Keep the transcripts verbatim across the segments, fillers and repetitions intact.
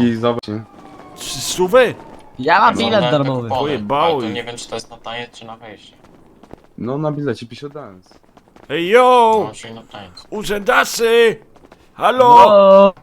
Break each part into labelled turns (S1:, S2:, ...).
S1: Dzięki, zobacz.
S2: Trzy stówy?
S3: Ja mam
S4: No,
S3: bilet
S4: ale
S3: darmowy.
S4: kupony.
S2: Pojebało
S4: Ale to
S2: ich.
S4: nie wiem, czy to jest na taniec, czy na wejście.
S1: No na bilecie pisze dance.
S2: Ej, yo!
S4: No, czyli na taniec.
S2: Urzędasy! Halo!
S3: O,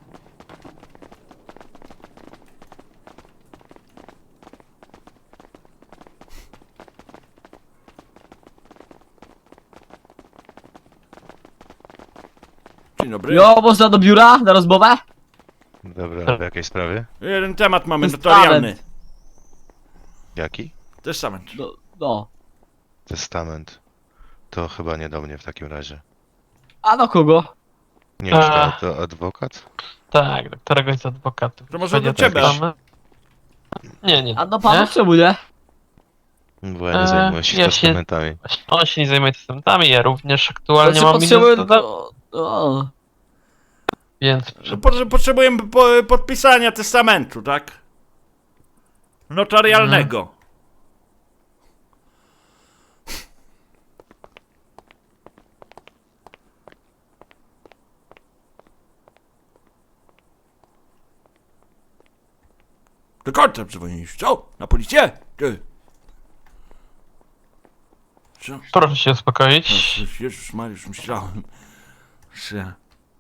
S2: Dzień dobry.
S3: jo, można do biura na rozmowę?
S5: Dobra, w jakiej sprawie?
S2: Jeden temat mamy
S3: Testament.
S2: notarialny.
S5: Jaki?
S2: Testament.
S3: No, no.
S5: Testament. To chyba nie do mnie w takim razie.
S3: A do kogo?
S5: Nie wiem, czy
S6: A.
S5: to, to adwokat?
S6: Tak, do któregoś z adwokatów.
S2: To może do
S6: Będzie
S2: ciebie.
S6: tak samo. Nie, nie.
S3: A do pana
S6: Nie?
S3: czemu nie?
S5: Bo ja nie
S6: E,
S5: zajmuję się
S6: ja się-
S5: testamentami.
S6: Właśnie on się nie zajmuje testamentami, ja również aktualnie
S3: Znaczy
S6: mam
S3: potrzebuję...
S6: minus doda-
S3: O, o.
S6: więc
S2: No, po- Potrzebujemy po, podpisania testamentu, tak? Notarialnego. Do końca dzwonisz, co? Na policję? Ty. Co?
S6: proszę się uspokoić.
S2: No, Jezus Mariusz, myślałem, że...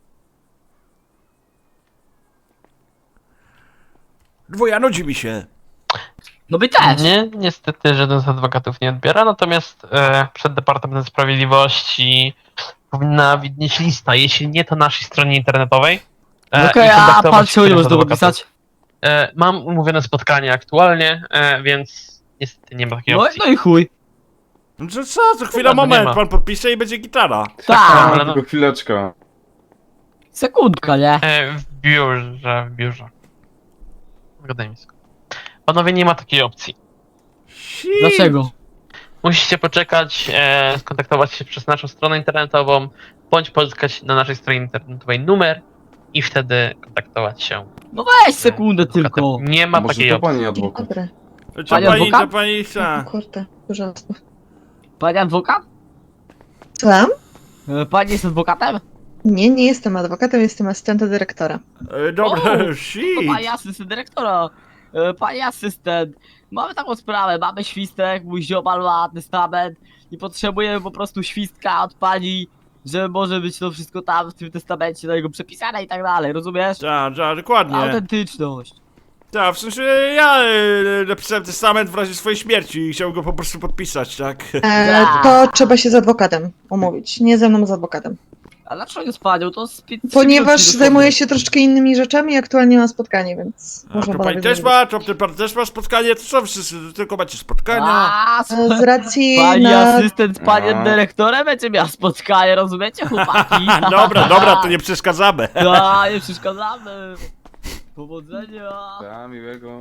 S2: Dwuja, nudzi mi się.
S3: No my też.
S6: Nie, niestety żaden z adwokatów nie odbiera, natomiast e, przed Departamentem Sprawiedliwości powinna widnieć lista, jeśli nie to na naszej stronie internetowej.
S3: No
S6: e,
S3: okej,
S6: i
S3: a
S6: kontaktować
S3: pan
S6: się
S3: czemu nie
S6: z
S3: może tego
S6: adwokatem.
S3: pisać?
S6: E, mam umówione spotkanie aktualnie, e, więc niestety nie ma takiej
S3: No,
S6: opcji.
S3: no i chuj.
S2: No co, co, co chwila,
S6: Dobra, no nie
S2: moment,
S6: ma.
S2: pan podpisze i będzie gitara.
S3: Tak,
S6: ale no-
S1: Tylko chwileczkę.
S3: sekundka, nie?
S6: E, w biurze, w biurze. Gadaj mi sekund. Panowie, nie ma takiej opcji.
S2: Shit.
S3: Dlaczego?
S6: Musicie poczekać, e, skontaktować się przez naszą stronę internetową, bądź pozyskać na naszej stronie internetowej numer i wtedy kontaktować się.
S3: No weź sekundę
S6: z adwokatem.
S3: tylko.
S6: Nie ma
S1: Może
S6: takiej
S1: to
S6: opcji.
S1: pani
S7: Dzień
S1: adwokat.
S7: dobry.
S2: Co
S3: Pani
S2: pani,
S3: adwokat?
S2: co pani chce?
S7: Kurde, porządku.
S3: Pani adwokat?
S7: Słucham?
S3: E, Pani jest adwokatem?
S7: Nie, nie jestem adwokatem, jestem asystentem dyrektora.
S2: E, Dobra,
S3: O, To
S2: shit.
S3: pani asystent dyrektora. E, Pani asystent. Mamy taką sprawę, mamy świstek, mój ziomal ma testament i potrzebujemy po prostu świstka od pani, że może być to wszystko tam w tym testamencie na jego przepisane i tak dalej, rozumiesz?
S2: Tak, tak, dokładnie.
S3: Autentyczność.
S2: Tak, w sensie ja e, napisałem testament w razie swojej śmierci i chciałem go po prostu podpisać, tak?
S7: E, to trzeba się z adwokatem umówić, nie ze mną, z adwokatem.
S3: A dlaczego nie z panią? To z pięć-
S7: Ponieważ
S3: trzy minuty
S7: zajmuję
S3: dosłownie.
S7: się troszeczkę innymi rzeczami, aktualnie mam spotkanie, więc
S2: A
S7: można
S2: to pani
S7: panowie
S2: też
S7: zrobić.
S2: ma? To ty pan też ma spotkanie? To co, wszyscy tylko macie spotkania?
S3: A,
S7: E, Z racji
S3: Pani
S7: na...
S3: asystent z panem
S1: No.
S3: dyrektorem będzie miała spotkanie, rozumiecie chłopaki?
S2: Dobra, dobra, to nie przeszkadzamy.
S3: Da, nie przeszkadzamy. Powodzenia.
S1: Tak, miłego.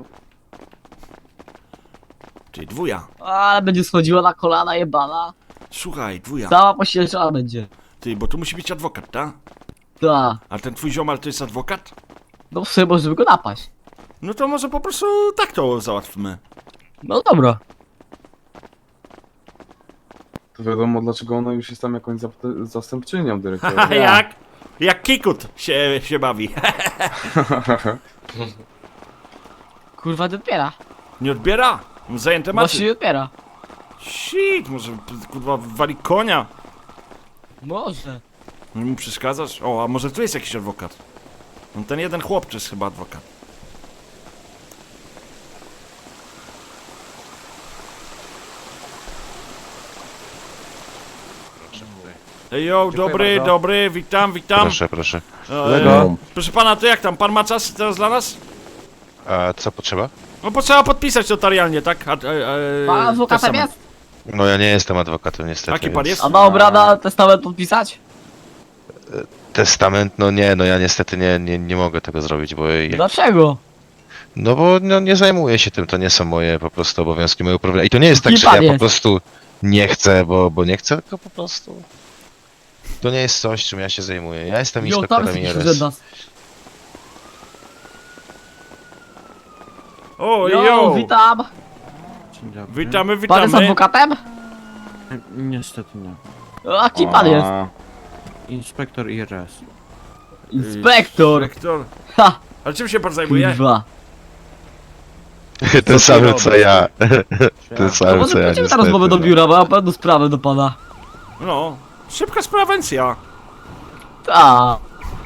S2: Ty, dwuja.
S3: Ale będzie schodziła na kolana jebana.
S2: Słuchaj, dwuja.
S3: Cała poświęcona będzie.
S2: Ty, bo tu musi być adwokat, tak?
S3: Da.
S2: A ten twój ziomal to jest adwokat?
S3: No w sumie możemy go napaść.
S2: No to może po prostu tak to załatwmy.
S3: No dobra.
S1: To wiadomo dlaczego ona już jest tam jakąś zap- zastępczynią
S2: A
S1: dyrektora.
S2: jak? Jak Kikut się, się bawi.
S3: Kurwa nie odbiera.
S2: Nie odbiera? Zajęte
S3: Właśnie
S2: macie.
S3: nie odbiera.
S2: Shit, może kurwa wali konia.
S3: Może.
S2: Nie mu przeszkadzasz? O, a może tu jest jakiś adwokat? No ten jeden chłopczy jest chyba adwokat. Ej, yo, dobry,
S1: bardzo.
S2: dobry, witam, witam.
S5: Proszę, proszę.
S2: E,
S1: Lego.
S2: proszę pana, to jak tam? Pan ma czas teraz dla nas?
S5: A co potrzeba?
S2: No bo trzeba podpisać notarialnie, tak? A, e, e,
S3: Pan adwokatem
S2: testament.
S3: jest?
S5: No ja nie jestem adwokatem niestety.
S2: Jaki pan
S5: więc-
S2: jest?
S3: A dobra na testament podpisać?
S5: Testament, no nie, no ja niestety nie, nie, nie mogę tego zrobić, bo... ja-
S3: Dlaczego?
S5: No bo no, nie zajmuję się tym, to nie są moje po prostu obowiązki, moje uprawnienia. I to nie jest tak,
S3: Kim
S5: że
S3: pan
S5: ja po
S3: jest?
S5: prostu nie chcę, bo, bo nie chcę, tylko po prostu... To nie jest coś, czym ja się zajmuję. Ja jestem
S3: Jo, tam
S5: inspektorem
S3: jest
S5: I
S3: jakiś
S5: R S.
S3: urzędas.
S2: O,
S3: Jo,
S2: yo!
S3: witam.
S8: Dzień dobry.
S2: Witamy,
S3: Pan jest
S2: witamy.
S3: adwokatem?
S8: Niestety nie.
S3: A kim pan jest?
S1: A,
S8: Inspektor I R S.
S3: Inspektor.
S2: Inspektor.
S3: Ha.
S2: Ale czym się pan zajmuje?
S3: Kurwa.
S5: Ten sam co ja. Ten
S3: No
S5: sam
S3: może
S5: co ja.
S3: pójdziemy na
S5: niestety,
S3: rozmowę do
S5: no.
S3: biura, bo ja mam pewną sprawę do pana.
S2: No, szybka sprawencja.
S3: Ta.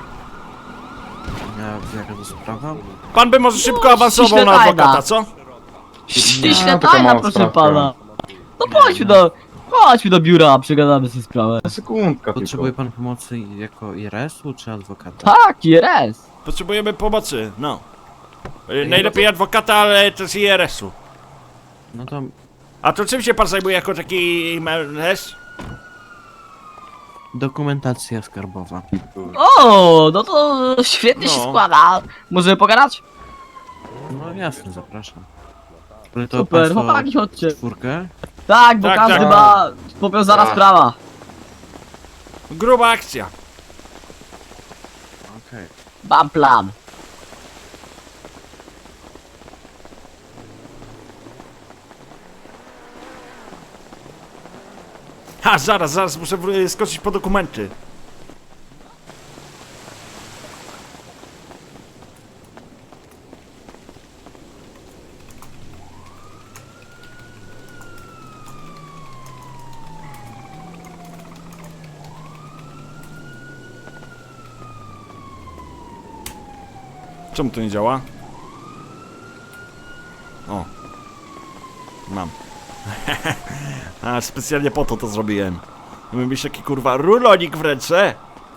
S8: Ja, jaka to sprawa?
S2: Pan by może szybko
S3: No,
S2: awansował
S3: ściśle
S2: na
S3: tajna.
S2: adwokata, co?
S3: Ściśle
S1: taka
S3: tajna,
S1: mała
S3: proszę
S1: sprawka.
S3: pana. No chodźmy do... Chodźmy do biura, przegadamy sobie sprawę.
S1: Sekundka
S8: Potrzebuje
S1: tylko.
S8: pan pomocy jako I R S-u czy adwokata?
S3: Tak, I R S.
S2: Potrzebujemy pomocy, no. Y, Najlepiej adwokata, ale też I R S-u.
S8: No to
S2: A to czym się pan zajmuje jako taki mężczyzna?
S8: dokumentacja skarbowa.
S3: O, no to świetnie się
S2: No.
S3: składa. Możemy pogadać?
S8: No jasne, zapraszam. Ale to
S3: Super,
S8: państwo
S3: chłopaki, chodźcie.
S8: czwórkę?
S3: Tak, bo
S2: Tak,
S3: każdy
S2: tak.
S3: ma powiązana
S5: Tak.
S3: sprawa.
S2: Gruba akcja.
S8: Okej.
S3: Mam plan.
S2: Ha, zaraz, zaraz muszę wr- skoczyć po dokumenty. Czemu to nie działa? O. Mam. A, specjalnie po to to zrobiłem. Mamy mieć taki kurwa rulonik w ręce.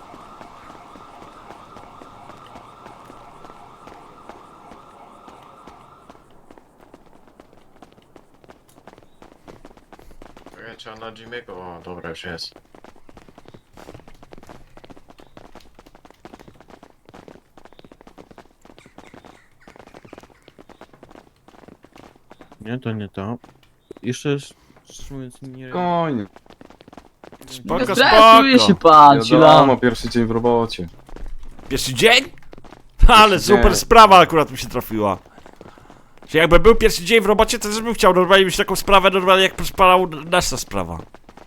S4: Czekaj, trzeba na Jimmy'ego. O, dobra, już jest.
S8: Nie, to nie to. Jeszcze, sz- szczerze mówiąc, nie...
S1: Spokojnie.
S2: Spoko,
S3: Nie stresuje
S2: spoko.
S3: się pan, chwila.
S1: Wiadomo, pierwszy dzień w robocie.
S2: Pierwszy dzień? Ale
S1: Pierwszy
S2: super
S1: dzień.
S2: sprawa akurat mi się trafiła. Że jakby był pierwszy dzień w robocie, to też bym chciał normalnie mieć taką sprawę, normalnie jak przyspalał nasza sprawa.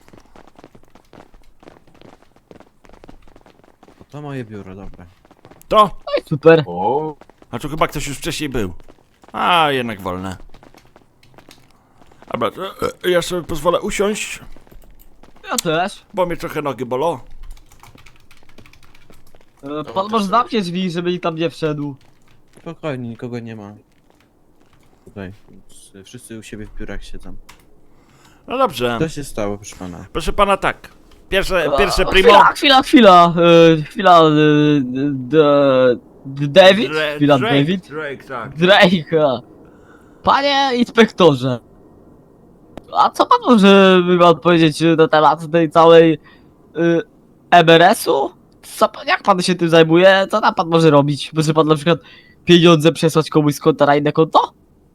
S8: To moje biuro, dobra.
S2: To?
S3: Super.
S1: O,
S2: A tu chyba ktoś już wcześniej był. A, jednak wolne. Dobra, to, e, ja sobie pozwolę usiąść,
S3: Ja też.
S2: bo mnie trochę nogi bolą.
S3: E, Pan może zamknie drzwi, żeby nikt tam nie wszedł.
S8: Spokojnie, nikogo nie ma. Tutaj, więc wszyscy u siebie w biurach siedzą.
S2: No dobrze.
S8: Co się stało, proszę pana?
S2: Proszę pana tak. Pierwsze, pierwsze
S3: E,
S2: primo.
S3: Chwila, chwila, chwila. E, chwila. E, d- d- David?
S2: Dra-
S3: Chwila,
S2: Drake,
S3: David?
S2: Drake, tak.
S3: Drake. Panie inspektorze. A co pan może by pan powiedzieć e, na temat tej całej y, M R S-u? Co, pan- jak pan się tym zajmuje? Co tam pan może robić? Może pan na przykład pieniądze przesłać komuś z konta na inne konto?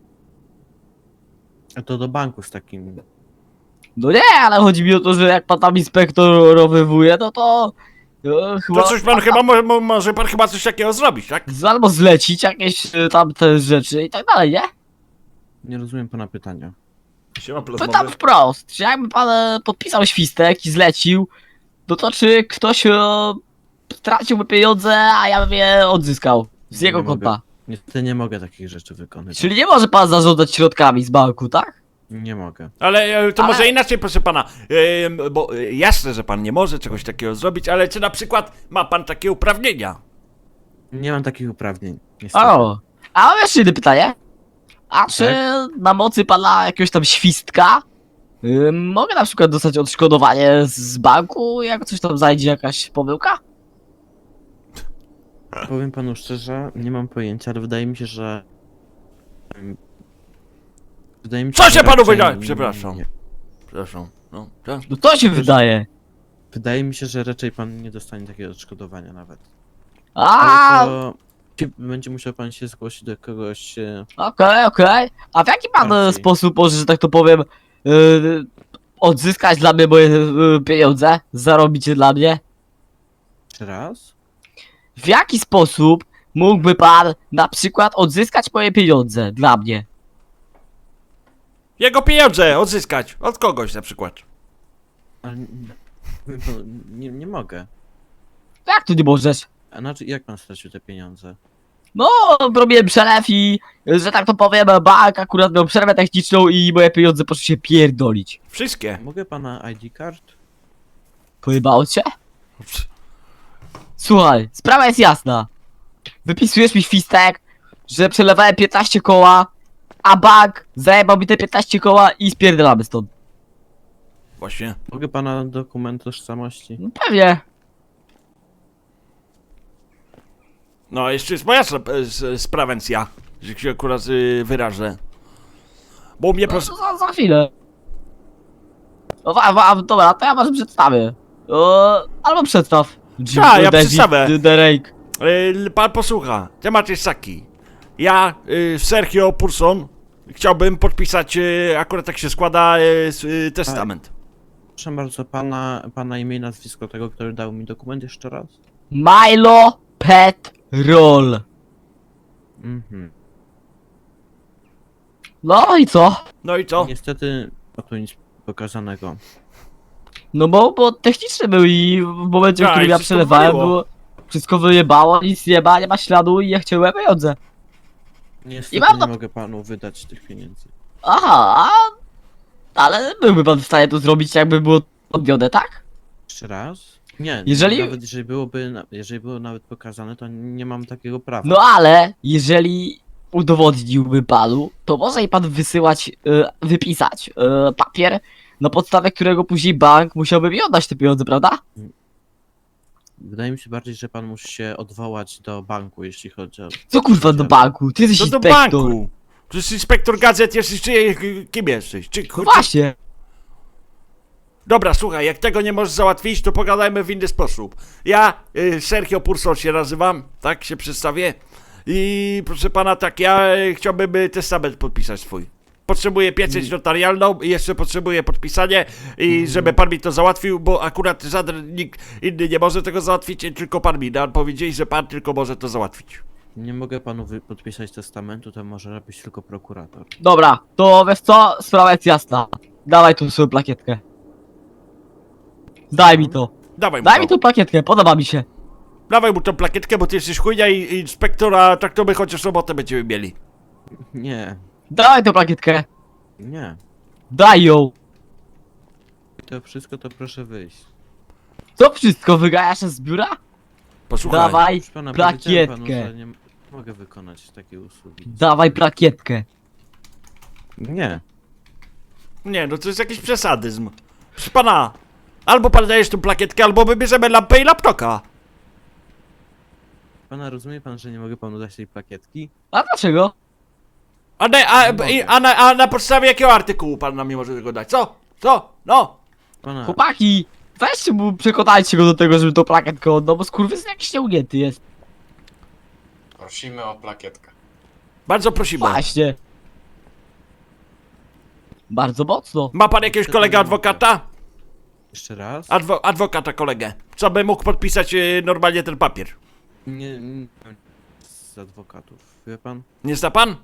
S8: A to do banku z takim...
S3: No nie, ale chodzi mi o to, że jak pan tam inspektorowywuje, no to e, chyba...
S2: To coś pan chyba, mo, mo, może pan chyba coś takiego zrobić, tak?
S3: z- Albo zlecić jakieś e, tam te rzeczy i tak dalej, nie?
S8: Nie rozumiem pana pytania.
S2: Siema,
S3: Pytam wprost, czy jakby pan e, podpisał świstek i zlecił, no to czy ktoś e, straciłby pieniądze, a ja bym je odzyskał z
S8: Nie
S3: jego
S8: mogę.
S3: konta.
S8: Niestety nie mogę takich rzeczy wykonywać.
S3: Czyli nie może pan zarządzać środkami z banku, tak?
S8: Nie mogę.
S2: Ale e, to
S3: Ale-
S2: może inaczej, proszę pana. E, bo e, jasne, że pan nie może czegoś takiego zrobić, ale czy na przykład ma pan takie uprawnienia?
S8: Nie mam takich uprawnień, niestety.
S3: O, a mam jeszcze jedno pytanie. A czy
S8: Tak?
S3: na mocy pana jakiegoś tam świstka y, mogę na przykład dostać odszkodowanie z banku, jak coś tam zajdzie, jakaś pomyłka?
S8: Powiem panu szczerze, nie mam pojęcia, ale wydaje mi się, że... Wydaje mi się,
S2: Co
S8: że
S2: się panu
S8: raczej
S2: wydaje?
S8: nie-
S2: Przepraszam.
S8: nie.
S2: Przepraszam. No, tak?
S3: No to się wydaje.
S8: Wydaje mi się, że raczej pan nie dostanie takiego odszkodowania nawet.
S3: A,
S8: Ale to... Będzie musiał pan się zgłosić do kogoś... e,
S3: okej, okej. A w jaki pan e,
S8: Bardziej.
S3: sposób może, że tak to powiem, y, odzyskać dla mnie moje y, pieniądze? Zarobić je dla mnie?
S8: Jeszcze raz?
S3: W jaki sposób mógłby pan na przykład odzyskać moje pieniądze dla mnie?
S2: Jego pieniądze odzyskać. Od kogoś na przykład.
S8: Ale... nie- powiem panu, Nie, nie mogę.
S3: Jak tu nie możesz?
S8: A znaczy, jak pan stracił te pieniądze?
S3: No, robiłem przelew i, że tak to powiem, bank akurat miał przerwę techniczną i moje pieniądze poszły się pierdolić.
S2: Wszystkie.
S8: Mogę pana I D card?
S3: Pojebało cię? Słuchaj, sprawa jest jasna. Wypisujesz mi świstek, że przelewałem piętnaście koła, a bank zajebał mi te piętnaście koła i spierdolamy stąd.
S2: Właśnie.
S8: Mogę pana dokument tożsamości?
S3: No pewnie.
S2: No, jeszcze jest moja sp- s- sprawencja, że się akurat y, wyrażę. Bo u mnie
S3: No,
S2: prosto...
S3: za, za chwilę. No, wa, wa, dobra, to ja może przedstawię. O, albo przedstaw.
S2: A, ja
S3: David
S2: przedstawię.
S3: Derek.
S2: Y, pan posłucha, temat jest taki. Ja, y, Sergio Purson, chciałbym podpisać, y, akurat tak się składa, y, s- y, testament.
S8: Proszę bardzo, pana, pana imię i nazwisko tego, który dał mi dokument jeszcze raz?
S3: Milo Petrol.
S8: Mhm.
S3: No i co?
S2: No i co?
S8: Niestety, o tu nic pokazanego.
S3: No bo, bo techniczny był i w momencie, w
S2: Tak,
S3: którym
S2: i
S3: ja
S2: wszystko
S3: przelewałem,
S2: waliło.
S3: było, wszystko wyjebało, nic nie ma, nie ma śladu i ja chciałem pieniądze.
S8: Niestety
S3: mam
S8: nie
S3: to-
S8: mogę panu wydać tych pieniędzy.
S3: Aha, a... ale byłby pan w stanie to zrobić, jakby było odbione, tak?
S8: Jeszcze raz? Nie,
S3: Jeżeli-
S8: nawet jeżeli byłoby, na- jeżeli było nawet pokazane, to nie mam takiego prawa.
S3: No ale, jeżeli udowodniłby panu, to może i pan wysyłać, e, wypisać e, papier, na podstawie którego później bank musiałby mi oddać te pieniądze, prawda?
S8: Wydaje mi się bardziej, że pan musi się odwołać do banku, jeśli chodzi o...
S3: Co kurwa do banku? Ty jesteś
S2: To do
S3: inspektor.
S2: banku. Przecież inspektor gazet jesteś, czy y, kim jesteś? Czy,
S3: No właśnie.
S2: Dobra, słuchaj, jak tego nie możesz załatwić, to pogadajmy w inny sposób. Ja, y, Sergio Purson się nazywam, tak się przedstawię. I proszę pana, tak, ja y, chciałbym y, testament podpisać swój. Potrzebuję pieczęć notarialną i jeszcze potrzebuję podpisanie i żeby pan mi to załatwił, bo akurat żaden nikt inny nie może tego załatwić, tylko pan mi da. Powiedzieli, że pan tylko może to załatwić.
S8: Nie mogę panu wy- podpisać testamentu, to może robić tylko prokurator.
S3: Dobra, to wiesz co? Sprawa jest jasna. Dawaj tu swoją plakietkę. Daj mi to.
S2: Dawaj mu
S3: Daj
S2: to.
S3: mi tą plakietkę, podoba mi się.
S2: Dawaj mu tą plakietkę, bo ty jesteś chujnia i, i inspektora, tak to my chociaż robotę będziemy mieli.
S8: Nie,
S3: Dawaj tą plakietkę.
S8: nie.
S3: Daj ją.
S8: To wszystko to proszę wyjść.
S3: Co wszystko wygajasz z biura?
S2: Posłuchaj.
S3: Dawaj
S8: Proszę pana, powiedziałem panu,
S3: plakietkę.
S8: że nie m- mogę wykonać takiej usługi.
S3: Dawaj plakietkę.
S8: Nie.
S2: Nie, no to jest jakiś przesadyzm. Proszę pana, albo pan dajesz tą plakietkę, albo wybierzemy lampę i laptoka.
S8: Pana rozumie pan, że nie mogę panu dać tej plakietki?
S3: A dlaczego?
S2: A, na, a,
S8: Nie
S2: i,
S8: mogę.
S2: a, na, a na podstawie jakiego artykułu pan nam nie może tego dać? Co? Co? No!
S8: Pana,
S3: Chłopaki, weźcie mu, przekonajcie go do tego, żeby tą plakietkę oddał, bo skurwys jakiś nieugięty jest.
S4: Prosimy o plakietkę.
S2: Bardzo prosimy.
S3: Właśnie. Bardzo mocno.
S2: Ma pan jakiegoś kolegę adwokata?
S8: jeszcze raz?
S2: Adwo, adwokata kolegę. Co by mógł podpisać y, normalnie ten papier?
S8: Nie, nie, z adwokatów, wie pan?
S2: Nie zna pan?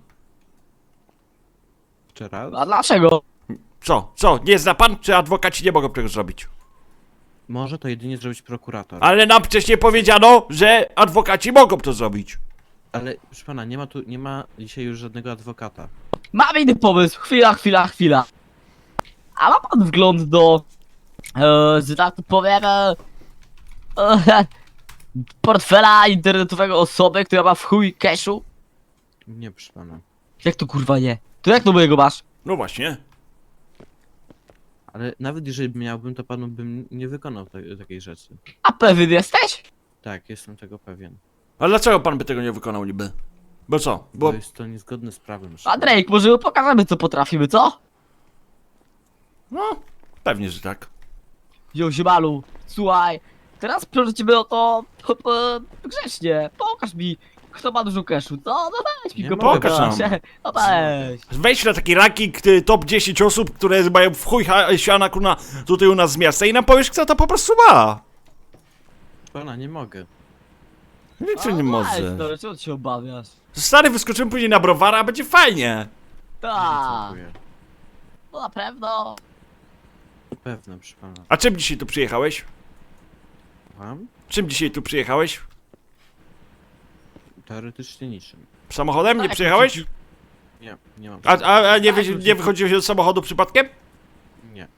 S8: Jeszcze raz?
S3: A dlaczego?
S2: Co? Co? Nie zna pan? Czy adwokaci nie mogą tego zrobić?
S8: Może to jedynie zrobić prokurator.
S2: Ale nam wcześniej powiedziano, że adwokaci mogą to zrobić.
S8: Ale proszę pana, nie ma tu, nie ma dzisiaj już żadnego adwokata.
S3: Mam inny pomysł. Chwila, chwila, chwila. A ma pan wgląd do, e, że tak to powiem, e, e, portfela internetowego osoby, która ma w chuj cashu?
S8: Nie, proszę pana.
S3: Jak to kurwa nie? To jak to mojego masz?
S2: No właśnie.
S8: Ale nawet jeżeli miałbym, to panu bym nie wykonał te, takiej rzeczy.
S3: A pewien jesteś?
S8: Tak, jestem tego pewien.
S2: A dlaczego pan by tego nie wykonał niby? Bo co?
S8: Bo
S2: Bo...
S8: jest to niezgodne z prawem. proszę
S3: A
S8: pana.
S3: Drake, może mu pokażemy co potrafimy, co?
S2: No, pewnie, że tak.
S3: Yo, ziebalu, słuchaj, teraz prosimy o to, to, to grzecznie, pokaż mi, kto ma dużo cashu, co? No weź mi
S8: Nie
S3: go
S8: mogę,
S3: pokaż,
S2: proszę.
S3: no weź.
S2: Wejdź na taki ranking y, top dziesięć osób, które mają w chuj ha- siana kuna tutaj u nas z miasta i nam powiesz, kto to po prostu ma.
S8: Proszę pana, nie mogę.
S2: Nic
S3: A,
S2: nie
S3: weź,
S2: może.
S3: No, czego ty się obawiasz?
S2: Stary, wyskoczymy później na browara, a będzie fajnie.
S3: Tak,
S8: Dziękuję.
S3: no na pewno.
S8: Pewne, proszę pana.
S2: A czym dzisiaj tu przyjechałeś?
S8: Słucham?
S2: Czym dzisiaj tu przyjechałeś?
S8: Teoretycznie niczym.
S2: Samochodem? Nie
S3: Tak,
S2: przyjechałeś?
S8: Nie, nie mam.
S2: A, a, a nie,
S3: Tak,
S2: wy,
S3: już
S2: nie wychodziłeś z samochodu przypadkiem?
S8: Nie.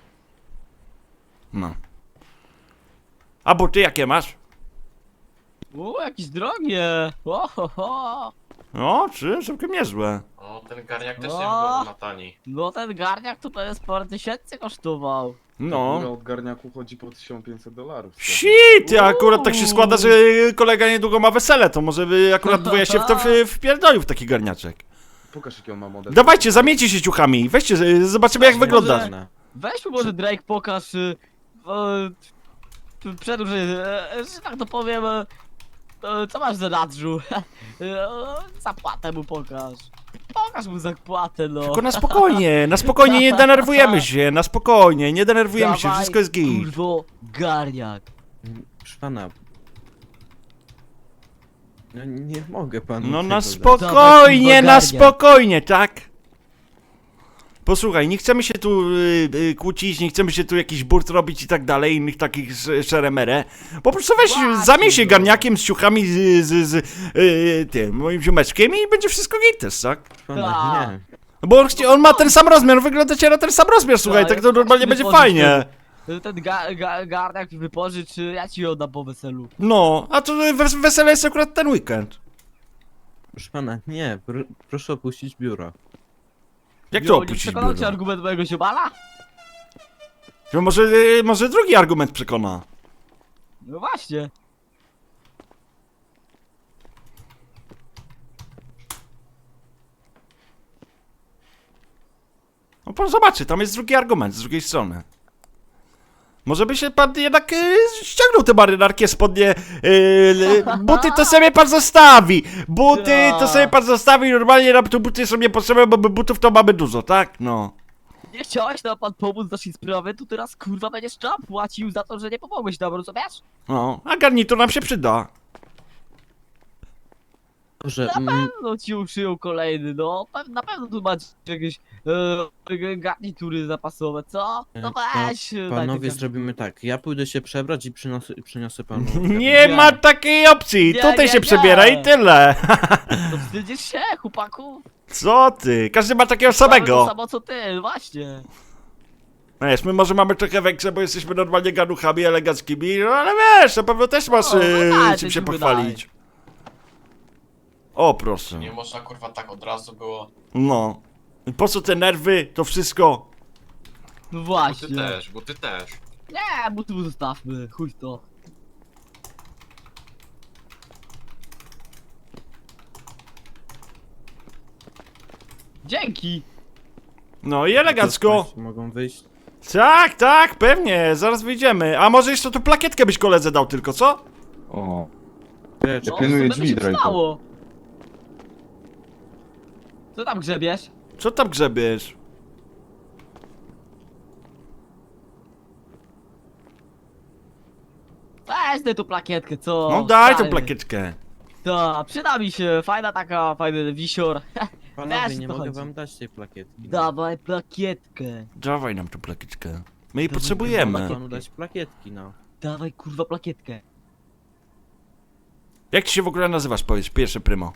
S2: No. A buty jakie masz?
S3: O, jakieś drogie. O, ho, ho.
S2: No, czy całkiem niezłe.
S4: O, ten garniak też
S3: O!
S4: nie wygląda na tani.
S3: No ten garniak to pewnie sporo tysięcy kosztował.
S2: No.
S1: No. Od garniaku chodzi po tysiąc pięćset dolarów.
S2: Shit, akurat tak się składa, że kolega niedługo ma wesele, to może by akurat dwoje się w to w- wpierdolił w taki garniaczek.
S1: Pokaż jaki on ma model.
S2: Dawajcie, zamieńcie się ciuchami, weźcie, z- zobaczymy jak
S3: Może-
S2: wygląda.
S8: Żadna.
S3: Weź mu może Drake pokaż, y, e, p- przedłuż, e, e, że tak to powiem, e, e, co masz za nadrzu? E, Zapłatę mu pokaż. Pokaż mu zapłatę, no.
S2: Tylko na spokojnie, na spokojnie, nie denerwujemy się, na spokojnie, nie denerwujemy się,
S3: Dawaj,
S2: wszystko jest git.
S3: Kurwo, garniak.
S8: Proszę pana. No nie mogę panu
S2: No
S8: tego
S2: na
S8: dać.
S2: spokojnie, na
S3: Dawaj,
S2: spokojnie, tak? Posłuchaj, nie chcemy się tu y, y, kłócić, nie chcemy się tu jakiś burt robić i tak dalej, innych takich sz- szeremerę. Po prostu weź,
S3: Właśnie,
S2: zamień się
S3: no.
S2: garniakiem z ciuchami z, z, z y, tym, moim ziomeczkiem i będzie wszystko git też, tak?
S8: Proszę pana,
S3: Tak.
S8: nie.
S2: No bo on, chci- on ma ten sam rozmiar, wyglądacie na ten sam rozmiar, słuchaj,
S3: Tak,
S2: tak
S3: ja
S2: to
S3: też
S2: normalnie będzie
S3: wypożyczę.
S2: fajnie.
S3: Ten ga, ga, garniak wypożycz, y, ja ci oddam po weselu.
S2: No, a to wes- wesele jest akurat ten weekend.
S8: Proszę pana, nie. Pr proszę opuścić biuro.
S2: Jak to
S3: Jo, nie
S2: opuścić
S3: przekonał cię
S2: biuro?
S3: argument mojego ziomala?
S2: Że może, y, może drugi argument przekona.
S3: No właśnie.
S2: No pan zobaczy, tam jest drugi argument z drugiej strony. Może by się pan jednak y, ściągnął te marynarki, spodnie, y, y, buty to sobie pan zostawi, buty to sobie pan zostawi, normalnie nam tu buty są niepotrzebne, bo my butów to mamy dużo, tak? No.
S3: Nie chciałeś nam pan pomóc w naszej sprawie, to teraz kurwa będziesz trzeba płacił za to, że nie pomogłeś nam, rozumiesz?
S2: No, a garnitur nam się przyda.
S8: Dobrze,
S3: Na
S8: mm,
S3: pewno ci uszyją kolejny, no. Pe- Na pewno tu macie jakieś e, garnitury zapasowe, co? No
S8: Pa-
S3: weź. e, daj te
S8: panowie
S3: garnitury.
S8: zrobimy tak. Ja pójdę się przebrać i przyniosę, przyniosę panu.
S2: Nie
S3: Nie.
S2: ma takiej opcji,
S3: Nie,
S2: tutaj
S3: nie,
S2: się
S3: nie.
S2: przebiera i tyle.
S3: To wstydzisz się, chłopaku?
S2: Co ty, każdy ma takiego
S3: To
S2: samego.
S3: samo co ty, właśnie.
S2: No wiesz, my może mamy trochę większe, bo jesteśmy normalnie ganuchami eleganckimi, no ale wiesz, na pewno też masz
S3: No, no
S2: y,
S3: tak,
S2: czym
S3: to
S2: się
S3: ci
S2: pochwalić. O, proszę.
S4: Nie można kurwa tak od razu było.
S2: No. I po co te nerwy, to wszystko?
S3: No
S4: Bo ty
S3: właśnie.
S4: też, bo ty też.
S3: Nie, bo tu zostawmy, chuj w to. Dzięki.
S2: No i elegancko.
S8: Państwo mogą wyjść.
S2: Tak, tak, pewnie, zaraz wyjdziemy. A może jeszcze tu plakietkę byś koledze dał tylko, co?
S1: O,
S8: Lecz,
S3: No,
S1: pilnuję
S3: co by
S1: drzwi,
S3: się
S1: Drake'u.
S3: stało? Co tam grzebiesz?
S2: Co tam grzebiesz?
S3: Weź daj tą plakietkę, co?
S2: No daj tą
S3: stary?
S2: plakietkę.
S3: To, przyda mi się, fajna taka, fajny wisior.
S8: panowie,
S3: Wiesz,
S8: nie
S3: co
S8: mogę
S3: chodzi.
S8: wam dać tej plakietki.
S3: Dawaj plakietkę.
S2: Dawaj nam tą plakietkę. My jej
S3: Dawaj,
S2: potrzebujemy.
S8: Mogę panu dać plakietki, no.
S3: Dawaj kurwa plakietkę.
S2: Jak ci się w ogóle nazywasz, powiedz, pierwszy prymo?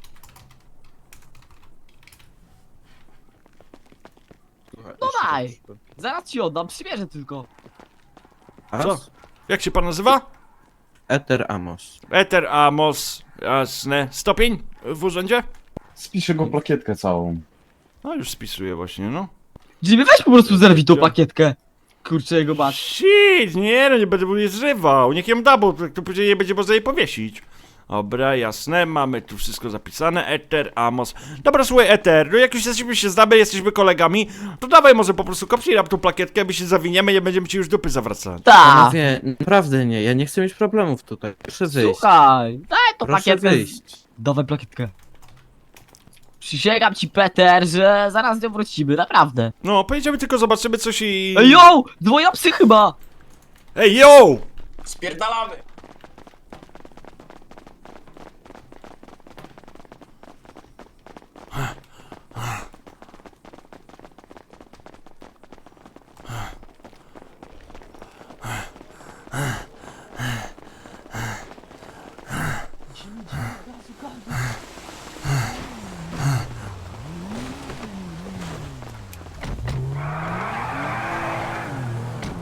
S8: Słuchaj,
S3: No
S8: jeszcze
S3: daj.
S8: troszkę.
S3: Zaraz ci oddam, przymierzę tylko.
S8: A?
S2: Co? Jak się pan nazywa?
S8: Eter Amos.
S2: Eter Amos, jasne. Stopień w urzędzie?
S1: spiszę go plakietkę całą.
S2: No już spisuję właśnie, no.
S3: Jimmy, weź po prostu zerwij tą plakietkę. Kurczę, jego masz.
S2: Shit, nie no, nie będę mu jej zrywał. Niech ją da, bo to to później nie będzie można jej powiesić. Dobra, jasne, mamy tu wszystko zapisane. Eter, Amos. Dobra, słuchaj, Eter, no jak już jesteśmy się znamy, jesteśmy kolegami, to dawaj może po prostu kopnij nam tą plakietkę, my się zawiniemy, nie będziemy ci już dupy zawracać.
S3: Ta.
S8: Panowie, naprawdę nie, ja nie chcę mieć problemów tutaj. Proszę wyjść.
S3: Słuchaj, daj tą
S8: Proszę
S3: plakietkę.
S8: wyjść.
S3: Dawaj plakietkę. Przysięgam ci, Peter, że zaraz nią wrócimy, naprawdę.
S2: No, pojedziemy tylko, zobaczymy coś i...
S3: Ej, yo! Dwoje psy chyba!
S2: Ej, yo!
S4: Spierdalamy!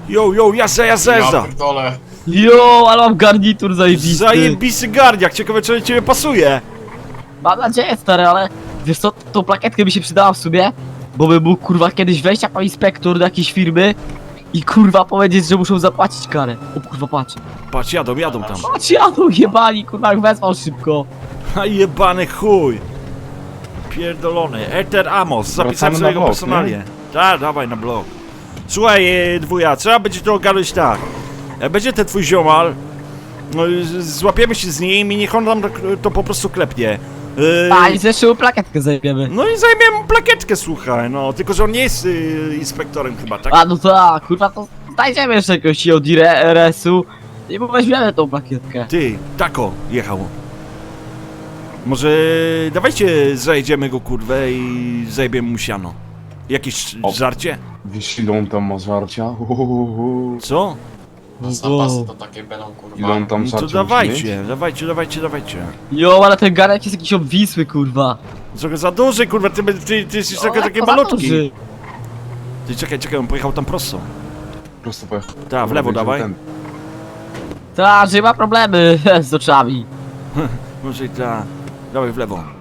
S2: Jo, jo, jazda, jazda,
S4: Ja
S2: jazda.
S4: pierdolę.
S3: Jo, ale mam garnitur zajebisty.
S2: Zajebisty garniak, ciekawe czy ciebie pasuje.
S3: Mam nadzieję, stary, ale wiesz co, tą plakietkę by się przydała w sumie, bo by mógł kurwa kiedyś wejść jako inspektor do jakiejś firmy i kurwa powiedzieć, że muszą zapłacić karę. O kurwa, patrz.
S2: Patrz, jadą, jadą tam.
S3: Patrz, jadą jebani, kurwa, jak wezwał szybko.
S2: A jebany chuj. Pierdolony. Eter Amos, zapisałem
S1: Wracamy
S2: sobie
S1: na
S2: go
S1: blok,
S2: personalnie. Tak, dawaj na blok. Słuchaj, e, dwuja, trzeba będzie to ogarnąć tak. Jak będzie ten twój ziomal, no, z- złapiemy się z nim i niech on nam to, to po prostu klepnie. E,
S3: A i zresztą plakietkę zajmiemy.
S2: No i zajmiemy mu plakietkę, słuchaj, no. Tylko, że on nie jest y, inspektorem chyba, tak?
S3: A no tak, kurwa, to znajdziemy jeszcze jakiegoś od R S-u i mu weźmiemy tą plakietkę.
S2: Ty, tako jechał. Może dawajcie zajedziemy go kurwę i zajebiemy mu siano. Jakieś
S1: O.
S2: żarcie?
S1: Wiesz ile on tam ma żarcia? Uhuhu.
S2: Co?
S4: A zapasy to takie będą kurwa.
S1: Ile on tam
S2: No
S1: żarcia
S2: to
S1: musi
S2: dawajcie,
S1: mieć?
S2: dawajcie, dawajcie, dawajcie.
S3: Jo, ale ten garek jest jakiś obwisły, kurwa.
S2: Trochę za duży kurwa, ty, ty, ty jesteś trochę
S3: O,
S2: taki
S3: lekko za
S2: malutki.
S3: duży.
S2: Ty czekaj, czekaj, on pojechał tam prosto.
S1: Prosto pojechał.
S2: Tak, w lewo dawaj.
S1: Ten.
S3: Tak, że ma problemy z oczami.
S2: Może i tak. Dawaj w lewo.